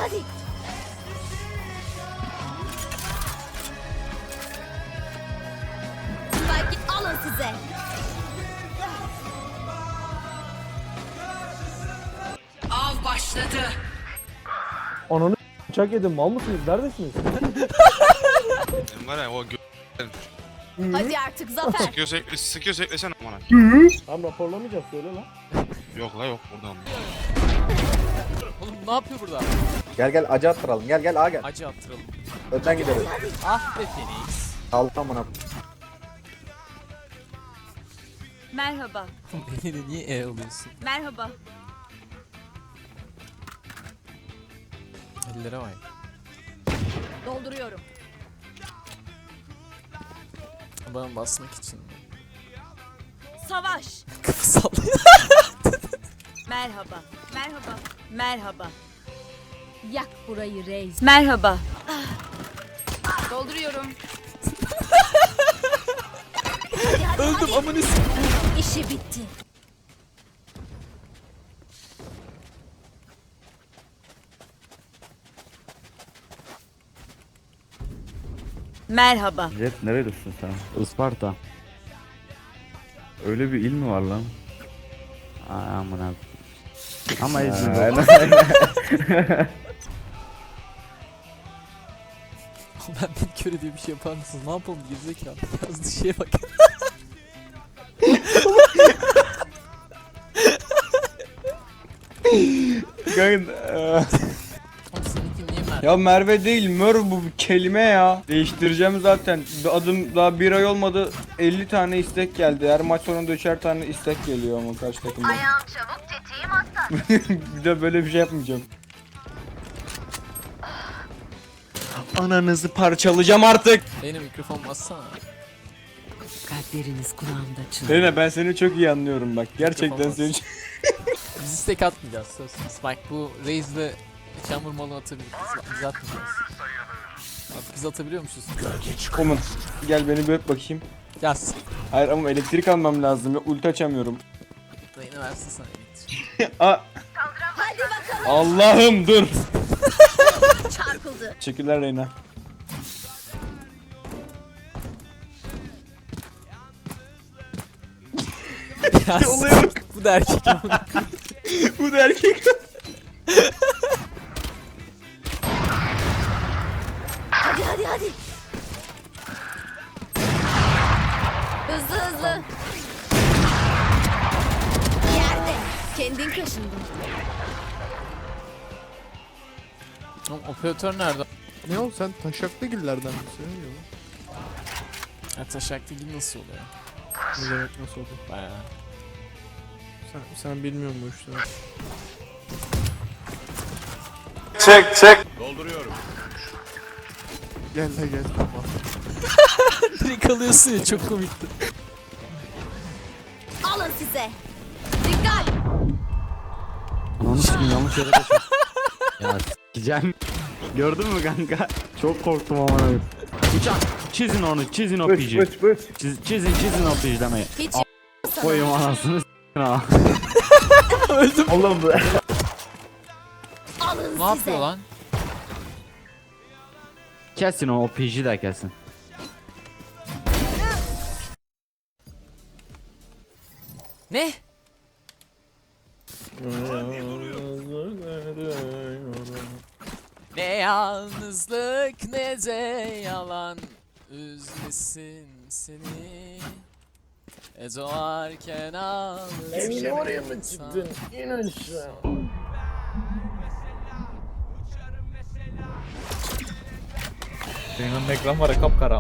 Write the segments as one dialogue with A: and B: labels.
A: hadi. Belki alın size.
B: Av başladı.
C: Ananı bıçak yedim, mal mısınız? Neredesiniz?
D: Benim var ya o
A: Hadi artık Zafer.
D: sıkıyorsa eklesene amına.
C: Tam raporlamayacağız, söyle lan.
D: Yok la yok buradan.
E: Oğlum ne yapıyor burada?
F: Gel gel acı attıralım. Gel gel A gel.
E: Acı attıralım.
F: Önden gideriz.
E: Ah be Phoenix.
F: Altan bana.
A: Merhaba.
E: Beni niye E alıyorsun?
A: Merhaba.
E: Ellere vay.
A: Dolduruyorum.
E: Bana basmak için.
A: Savaş.
E: Kafa sallıyor.
A: Merhaba. Merhaba. Merhaba. Yak burayı reis. Merhaba. Dolduruyorum. hadi,
E: Öldüm amına s***.
A: İşi bitti. Merhaba.
G: Jet nerelisin sen? Isparta. Öyle bir il mi var lan? Aa, amına. Ama İzmir.
E: Ben bir köre diye bir şey yapar mısınız? Ne yapalım gerizekalı? Yazdığı şeye bak. Oğlum seninki niye Merve?
H: Ya Merve değil Mör bu bir kelime ya. Değiştireceğim zaten. Adım daha bir ay olmadı 50 tane istek geldi. Her maç sonunda 3'er tane istek geliyor ama karşı takımda. Ayağım çabuk tetiğim aslan. Bir de böyle bir şey yapmayacağım. Ananızı parçalayacağım artık.
E: Benim mikrofon bassana.
B: Kalpleriniz kulağımda çınlıyor.
H: Lena ben seni çok iyi anlıyorum bak. Gerçekten
E: Yapamaz.
H: seni
E: Biz istek atmayacağız söz. Spike bu Raze'le çamur malı atabilir. Biz atmayacağız. Bak biz atabiliyormuşuz.
H: Omun. Gel beni bir öp bakayım.
E: Yaz.
H: Hayır ama elektrik almam lazım ya. Ulti açamıyorum.
E: Dayını versin sana elektrik.
H: Aa.
A: Hadi bakalım.
H: Allah'ım dur.
A: Çarpıldı.
H: Teşekkürler Reyna.
E: Yaz.
H: Olaya bak.
E: Bu da erkek amına.
H: Bu da erkek.
A: Hadi hadi hadi. Hızlı hızlı. Yerde. Kendin kaşındın.
E: Oğlum operatör nerede?
C: Ne oldu, sen taşaklı gillerden misin?
E: Ya taşaklı gibi nasıl oluyor?
C: Ne demek, nasıl oldu?
E: Bayağı.
C: Sen bilmiyorsun bu işleri.
D: Dolduruyorum.
C: Gel de gel.
E: Direkt alıyorsun ya çok komikti.
A: Alın size. Dikkat.
G: Ananı s**eyim, yanlış yere taşıdım. Ya s**eceğim. Gördün mü kanka? Çok korktum amına koyayım. Uçak. Çizin onu, çizin o pici. Çizin o pijlemeyi.
A: Hiç
G: Koyayım anasını s***in ha.
E: Öldüm.
F: Oğlum bu.
A: alın
E: Ne
A: size.
E: yapıyor lan?
G: Kesin o piji de kesin.
E: Ne? Ne yalnızlık ne de yalan üzmesin seni. Doğarken ağlatır.
C: oraya mı çıktın? İn aşağı.
H: Senin ekran var ya kapkara.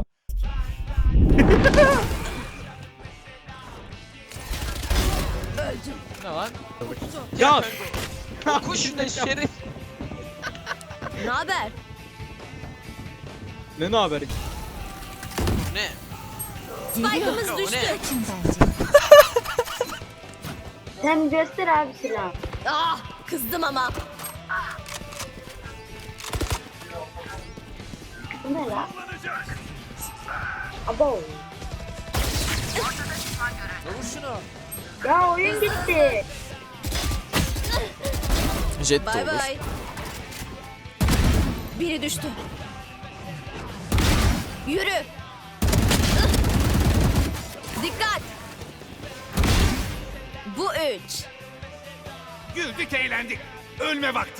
E: Ne lan?
H: Ya
E: Kuşun şerif.
A: Ne haber?
H: ne haber?
A: Spike'ımız düştü.
I: Sen göster abi silahı.
A: Ah, kızdım ama.
I: Bu ne lan? Abo.
E: Vur şunu.
I: Ya oyun gitti.
E: Jet de
A: Bay
E: olur.
A: bay. Biri düştü. Yürü. Dikkat. Bu 3.
J: Güldük eğlendik. Ölme vakti.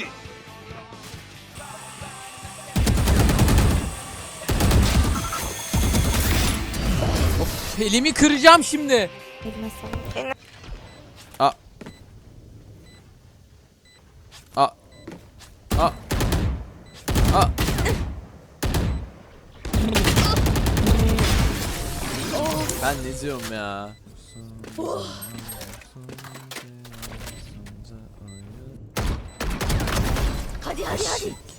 E: Elimi kıracağım şimdi. A. A. A. A. Ben ne diyorum ya?
A: Hadi hadi hadi.